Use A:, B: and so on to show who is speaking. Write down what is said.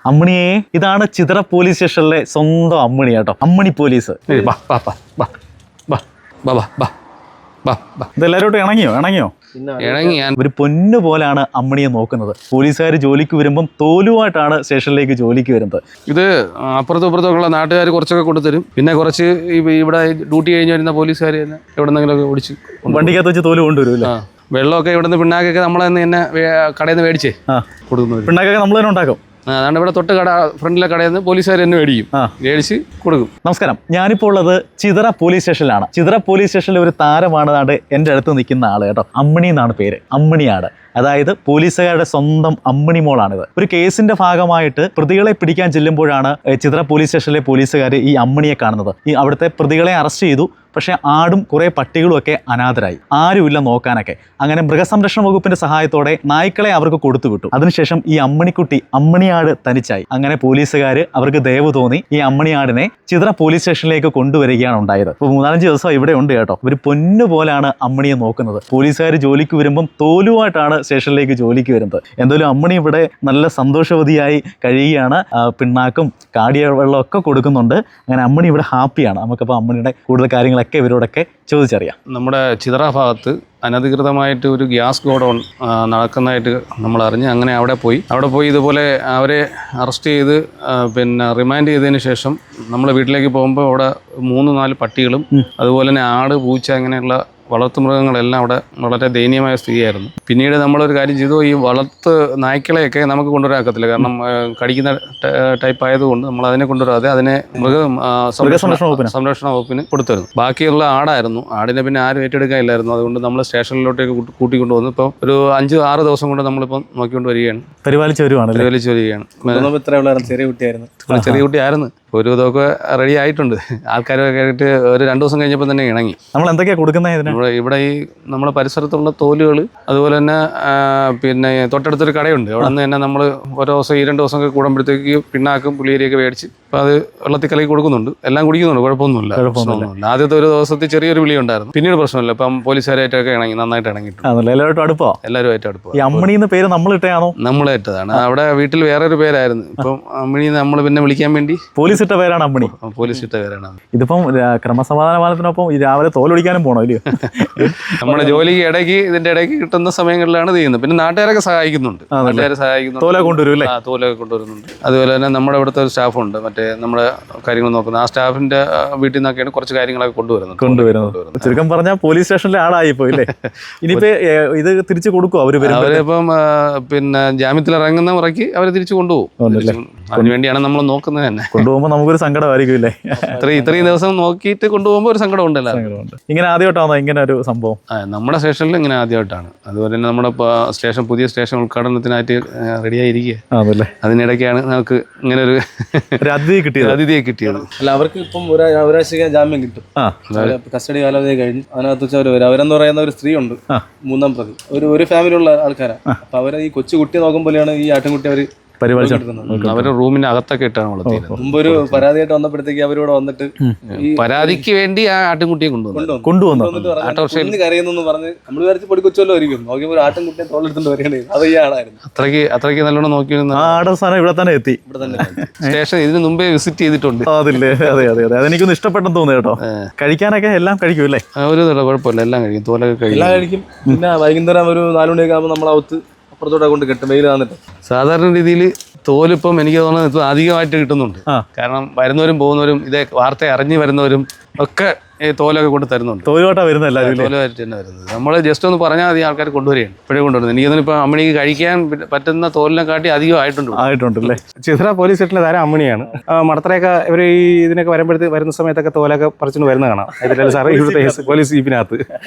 A: അമ്മിണിയെ ഇതാണ് ചിതറ പോലീസ് സ്റ്റേഷനിലെ സ്വന്തം അമ്മിണി കേട്ടോ. അമ്മിണി പോലീസ്. ഇതെല്ലാവരോട്ടും ഇണങ്ങിയോ? ഒരു പൊന്നു പോലാണ് അമ്മിണിയെ നോക്കുന്നത്. പോലീസുകാർ ജോലിക്ക് വരുമ്പം തോലുമായിട്ടാണ് സ്റ്റേഷനിലേക്ക് ജോലിക്ക് വരുന്നത്.
B: ഇത് അപ്പുറത്തും ഇപ്പുറത്തുള്ള നാട്ടുകാർ കുറച്ചൊക്കെ കൊണ്ടുതരും. പിന്നെ കുറച്ച് ഇവിടെ ഡ്യൂട്ടി കഴിഞ്ഞ് വരുന്ന പോലീസുകാർ തന്നെ എവിടെ നിന്നെങ്കിലൊക്കെ ഓടിച്ച്
A: വണ്ടിക്കകത്ത് വെച്ച് തോല് കൊണ്ടുവരും.
B: വെള്ളമൊക്കെ ഇവിടുന്ന് പിണ്ണാക്കൊക്കെ നമ്മൾ തന്നെ കടയിൽ നിന്ന് മേടിച്ചേ കൊടുക്കുന്നത്.
A: പിണ്ണാക്കൊക്കെ നമ്മൾ തന്നെ ഉണ്ടാക്കും.
B: അതാണ് ഇവിടെ തൊട്ട് ഫ്രണ്ടിലെ കടയിൽ നിന്ന് പോലീസുകാർ തന്നെ മേടിച്ച് കൊടുക്കും.
A: നമസ്കാരം, ഞാനിപ്പോൾ ഉള്ളത് ചിതറ പോലീസ് സ്റ്റേഷനിലാണ്. ചിതറ പോലീസ് സ്റ്റേഷനിലെ ഒരു താരമാണ് എൻ്റെ അടുത്ത് നിൽക്കുന്ന ആള് കേട്ടോ. അമ്മിണി എന്നാണ് പേര്, അമ്മിണിയാണ്. അതായത് പോലീസുകാരുടെ സ്വന്തം അമ്മിണി മോളാണിത്. ഒരു കേസിന്റെ ഭാഗമായിട്ട് പ്രതികളെ പിടിക്കാൻ ചെല്ലുമ്പോഴാണ് ചിതറ പോലീസ് സ്റ്റേഷനിലെ പോലീസുകാർ ഈ അമ്മിണിയെ കാണുന്നത്. ഈ അവിടുത്തെ പ്രതികളെ അറസ്റ്റ് ചെയ്തു. പക്ഷേ ആടും കുറേ പട്ടികളും ഒക്കെ അനാഥരായി, ആരുമില്ല നോക്കാനൊക്കെ. അങ്ങനെ മൃഗസംരക്ഷണ വകുപ്പിന്റെ സഹായത്തോടെ നായ്ക്കളെ അവർക്ക് കൊടുത്തു വിട്ടു. അതിനുശേഷം ഈ അമ്മിണിക്കുട്ടി അമ്മിണിയാട് തനിച്ചായി. അങ്ങനെ പോലീസുകാർ അവർക്ക് ദയവ് തോന്നി ഈ അമ്മിണിയാടിനെ ചിതറ പോലീസ് സ്റ്റേഷനിലേക്ക് കൊണ്ടുവരികയാണ് ഉണ്ടായത്. ഇപ്പോൾ 3-4 ദിവസം ഇവിടെ ഉണ്ട് കേട്ടോ. ഒരു പൊന്നു പോലാണ് അമ്മിണിയെ നോക്കുന്നത്. പോലീസുകാർ ജോലിക്ക് വരുമ്പം തോലുമായിട്ടാണ് സ്റ്റേഷനിലേക്ക് ജോലിക്ക് വരുന്നത്. എന്തായാലും അമ്മിണി ഇവിടെ നല്ല സന്തോഷവതിയായി കഴിയുകയാണ്. പിണ്ണാക്കും കാടിയ വെള്ളമൊക്കെ കൊടുക്കുന്നുണ്ട്. അങ്ങനെ അമ്മിണി ഇവിടെ ഹാപ്പിയാണ്. നമുക്കപ്പോൾ അമ്മിണിയുടെ കൂടുതൽ കാര്യങ്ങളൊക്കെ ഇവരോടൊക്കെ ചോദിച്ചറിയാം.
B: നമ്മുടെ ചിതറ ഭാഗത്ത് അനധികൃതമായിട്ട് ഒരു ഗ്യാസ് ഗോഡൗൺ നടക്കുന്നതായിട്ട് നമ്മൾ അറിഞ്ഞ് അങ്ങനെ അവിടെ പോയി ഇതുപോലെ അവരെ അറസ്റ്റ് ചെയ്ത് പിന്നെ റിമാൻഡ് ചെയ്തതിന് ശേഷം നമ്മൾ വീട്ടിലേക്ക് പോകുമ്പോൾ അവിടെ 3-4 പട്ടികളും അതുപോലെ തന്നെ ആട്, പൂച്ച അങ്ങനെയുള്ള വളർത്തുമൃഗങ്ങളെല്ലാം അവിടെ വളരെ ദയനീയമായ സ്ഥിതിയായിരുന്നു. പിന്നീട് നമ്മളൊരു കാര്യം ചെയ്തു, ഈ വളർത്ത് നായ്ക്കളെയൊക്കെ നമുക്ക് കൊണ്ടുവരാക്കത്തില്ല, കാരണം കടിക്കുന്ന ടൈപ്പ് ആയതുകൊണ്ട് നമ്മൾ അതിനെ കൊണ്ടുവരാതെ അതിനെ സംരക്ഷണ വകുപ്പിന് കൊടുത്തിരുന്നു. ബാക്കിയുള്ള ആടായിരുന്നു. ആടിനെ പിന്നെ ആരും ഏറ്റെടുക്കാനില്ലായിരുന്നു. അതുകൊണ്ട് നമ്മൾ സ്റ്റേഷനിലോട്ടേക്ക് കൂട്ടിക്കൊണ്ടുവന്നു. ഇപ്പം ഒരു 5-6 ദിവസം കൊണ്ട് നമ്മളിപ്പം നോക്കിക്കൊണ്ട് വരികയാണ്, പരിപാലിച്ച് വരികയാണ്. ചെറിയ കുട്ടിയായിരുന്നു. ഒരു ഇതൊക്കെ റെഡി ആയിട്ടുണ്ട്. ആൾക്കാരൊക്കെ ആയിട്ട് ഒരു 2 ദിവസം കഴിഞ്ഞപ്പോൾ തന്നെ ഇണങ്ങി.
A: നമ്മൾ എന്തൊക്കെയാണ് കൊടുക്കുന്നത്
B: ഇവിടെ ഈ നമ്മുടെ പരിസരത്തുള്ള തോലുകൾ, അതുപോലെ തന്നെ പിന്നെ തൊട്ടടുത്തൊരു കടയുണ്ട്. അവിടെ നിന്ന് തന്നെ നമ്മൾ ഓരോ ദിവസം 2 ദിവസമൊക്കെ കൂടുമ്പോഴത്തേക്ക് പിണ്ണാക്കും പുളിയേരിയൊക്കെ മേടിച്ച് അപ്പോൾ അത് വെള്ളത്തിൽ കലക്കി കൊടുക്കുന്നുണ്ട്. എല്ലാം കുടിക്കുന്നുണ്ട്, കുഴപ്പമൊന്നുമില്ല. ആദ്യത്തെ ഒരു ദിവസത്തിൽ ചെറിയൊരു വിളി ഉണ്ടായിരുന്നു. പിന്നീട് പ്രശ്നമില്ല. ഇപ്പം പോലീസുകാരായിട്ടൊക്കെ നന്നായിട്ട് ഇണങ്ങിയിട്ടുണ്ട്. എല്ലാവരുമായിട്ട് അടുപ്പം.
A: ഈ അമ്മിണി എന്ന പേര്
B: നമ്മളിട്ടതാണ്. അവിടെ വീട്ടിൽ വേറൊരു പേരായിരുന്നു. ഇപ്പം അമ്മിണി നമ്മൾ പിന്നെ വിളിക്കാൻ വേണ്ടി
A: പോലീസ് ഇട്ട പേരാണ് അമ്മിണി. ഇതിപ്പം ക്രമസമാധാന പാലത്തിനൊപ്പം രാവിലെ തോലൊടിക്കാനും പോകണോ ഇല്ലയോ?
B: നമ്മുടെ ജോലിക്ക് ഇതിന്റെ ഇടയ്ക്ക് കിട്ടുന്ന സമയങ്ങളിലാണ് ചെയ്യുന്നത്. പിന്നെ നാട്ടുകാരൊക്കെ സഹായിക്കുന്നുണ്ട്. തോലൊക്കെ കൊണ്ടുവരുന്നുണ്ട്. അതുപോലെ തന്നെ നമ്മുടെ ഇവിടുത്തെ ഒരു സ്റ്റാഫുണ്ട്, മറ്റേ നമ്മുടെ കാര്യങ്ങൾ നോക്കുന്നത്. ആ സ്റ്റാഫിന്റെ വീട്ടിൽ നിന്നൊക്കെയാണ് കുറച്ച് കാര്യങ്ങളൊക്കെ കൊണ്ടുവരുന്നത്.
A: ചുരുക്കം പറഞ്ഞാൽ പോലീസ് സ്റ്റേഷനിലെ ആളായി പോയില്ലേ? ഇനിയിപ്പോ ഇത് തിരിച്ചു കൊടുക്കും അവരിപ്പം
B: പിന്നെ ജാമ്യത്തിൽ ഇറങ്ങുന്ന മുറയ്ക്ക് അവര് തിരിച്ചു കൊണ്ടുപോകും. അതിനുവേണ്ടിയാണ് നമ്മൾ നോക്കുന്നത് തന്നെ.
A: കൊണ്ടുപോകുമ്പോൾ നമുക്കൊരു സങ്കടമായിരിക്കും.
B: ഇത്രയും ദിവസം നോക്കിയിട്ട് കൊണ്ടുപോകുമ്പോൾ ഒരു സങ്കടം ഉണ്ടല്ലോ.
A: ഇങ്ങനെ ആദ്യമായിട്ടാണോ ഇങ്ങനെ ഒരു സംഭവം?
B: നമ്മുടെ സ്റ്റേഷനിൽ ഇങ്ങനെ ആദ്യമായിട്ടാണ്. അതുപോലെ തന്നെ നമ്മുടെ പുതിയ സ്റ്റേഷൻ ഉദ്ഘാടനത്തിനായിട്ട് റെഡിയായിരിക്കുക. അതിനിടയ്ക്കാണ് നമുക്ക് ഇങ്ങനെ ഒരു അതിഥിയെ കിട്ടിയത്.
C: അല്ല, അവർക്ക് ഇപ്പം ഒരാഴ്ച ജാമ്യം കിട്ടും. കസ്റ്റഡി കാലാവധി കഴിഞ്ഞ് അതിനകത്ത് വെച്ച് അവർ വരും. അവരെന്ന് പറയുന്ന ഒരു സ്ത്രീ ഉണ്ട്, 3-ാം പ്രതി. ഒരു ഫാമിലിയുള്ള ആൾക്കാരാണ്. അപ്പൊ അവരെ ഈ കൊച്ചു കുട്ടിയെ നോക്കുമ്പോഴാണ് ഈ ആട്ടിൻകുട്ടി അവര്
B: അവരുടെ റൂമിന്റെ അകത്തൊക്കെ ഇട്ടാണ് വളർത്തിയത്.
C: മുമ്പ് ഒരു പരാതിയായിട്ട് വന്നപ്പോഴത്തേക്ക് അവരോട് വന്നിട്ട്
B: പരാതിക്ക് വേണ്ടി ആ ആട്ടിൻകുട്ടിയെ
C: കൊണ്ടുവന്നു കരയുന്നു പറഞ്ഞ് നമ്മൾ വിചാരിച്ച് പൊടി കൊച്ചുവല്ലോ ആയിരിക്കും. നോക്കിയപ്പോൾ ഒരു ആട്ടിൻകുട്ടിയെ തോളെടുത്തോണ്ട് വരികയാണ്. അത് ഈ ആളായിരുന്നു.
B: അത്രയ്ക്ക് നല്ലോണം നോക്കിയിരുന്ന
A: ഇവിടെ തന്നെ എത്തി.
B: സ്റ്റേഷൻ ഇതിന് മുമ്പേ വിസിറ്റ് ചെയ്തിട്ടുണ്ട്.
A: അതെ, അതെനിക്കൊന്ന് ഇഷ്ടപ്പെട്ടെന്ന് തോന്നുന്നു കേട്ടോ. കഴിക്കാനൊക്കെ എല്ലാം കഴിക്കൂല്ലേ?
B: ഒരു കുഴപ്പമില്ല, എല്ലാം കഴിക്കും. തോലൊക്കെ
C: കഴിക്കും. പിന്നെ വൈകുന്നേരം ഒരു 4 മണിയൊക്കെ ആകുമ്പോൾ നമ്മളകത്ത് അപ്പുറത്തോടെ കൊണ്ട് കെട്ടും, വെയിൽ വന്നിട്ട്.
B: സാധാരണ രീതിയിൽ തോലിപ്പം എനിക്ക് തോന്നുന്നത് ഇപ്പം അധികമായിട്ട് കിട്ടുന്നുണ്ട്. കാരണം വരുന്നവരും പോകുന്നവരും ഇതേ വാർത്ത അറിഞ്ഞു വരുന്നവരും ഒക്കെ ഈ തോലൊക്കെ കൊണ്ട് തരുന്നുണ്ട്.
A: തോലുമായിട്ടാണ്
B: വരുന്നത്. നമ്മൾ ജസ്റ്റ് ഒന്ന് പറഞ്ഞാൽ മതി, ആൾക്കാർ കൊണ്ടുവരികയാണ്. ഇപ്പോഴേ കൊണ്ടുവരുന്നത്. എനിക്കൊന്നും ഇപ്പം അമ്മിണിക്ക് കഴിക്കാൻ പറ്റുന്ന തോലിനെ കാട്ടി അധികം ആയിട്ടുണ്ടല്ലേ?
D: ചിതറ പോലീസ് സ്റ്റേഷനിലെ താരം അമ്മിണിയാണ്. മടത്തറയൊക്കെ ഇവർ ഈ ഇതിനൊക്കെ വരുന്ന സമയത്തൊക്കെ തോലൊക്കെ പറിച്ചുകൊണ്ട് വരുന്ന കാണാം. സാറേ ഇവിടുത്തെ പോലീസ് ജീപ്പിനകത്ത്